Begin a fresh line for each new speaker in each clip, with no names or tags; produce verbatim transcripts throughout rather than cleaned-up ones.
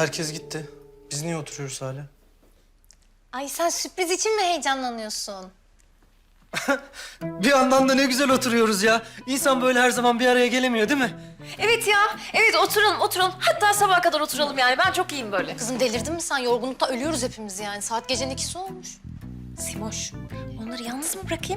herkes gitti. Biz niye oturuyoruz hala?
Ay sen sürpriz için mi heyecanlanıyorsun?
Bir yandan da ne güzel oturuyoruz ya. İnsan böyle her zaman bir araya gelemiyor değil mi?
Evet ya, evet oturalım, oturalım. Hatta sabaha kadar oturalım yani. Ben çok iyiyim böyle.
Kızım delirdin mi sen? Yorgunluktan ölüyoruz hepimiz yani. Saat gecenin ikisi olmuş.
Simoş, onları yalnız mı bırakayım?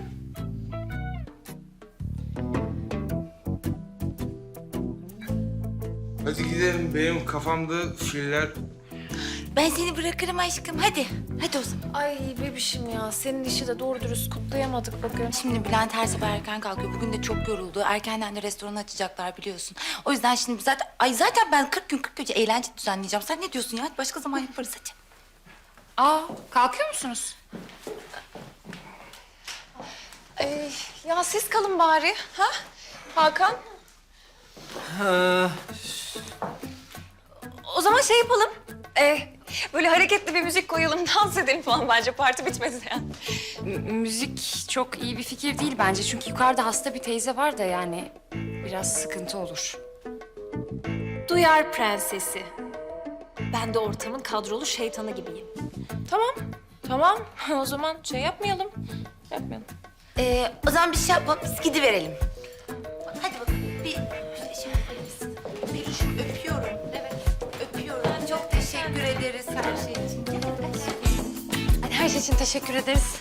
Hadi gidelim. Benim kafamda filler...
Ben seni bırakırım aşkım. Hadi. Hadi o zaman.
Ay bebişim ya, senin işi de doğru dürüst kutlayamadık bugün.
Şimdi Bülent her sabah erken kalkıyor. Bugün de çok yoruldu. Erkenden de restoranı açacaklar biliyorsun. O yüzden şimdi zaten... Ay zaten ben kırk gün kırk gece eğlence düzenleyeceğim. Sen ne diyorsun ya? Hadi başka zaman yaparız hadi.
Aa, kalkıyor musunuz?
Ee, ya siz kalın bari, ha? Hakan?
Ha,
O zaman şey yapalım. Ee, böyle hareketli bir müzik koyalım, dans edelim falan bence. Parti bitmedi yani.
M- müzik çok iyi bir fikir değil bence. Çünkü yukarıda hasta bir teyze var da yani biraz sıkıntı olur.
Duyar prensesi. Ben de ortamın kadrolu şeytanı gibiyim.
Tamam, tamam. O zaman şey yapmayalım. Yapmayalım.
Ee, o zaman bir şey yapalım. Biz gidiverelim. Hadi bakalım. Bir, bir şey yapalım. Peluş'um öpüyorum. Evet, öpüyorum. Çok teşekkür ederiz her şey için. Gel, hadi.
Hadi her şey için teşekkür ederiz.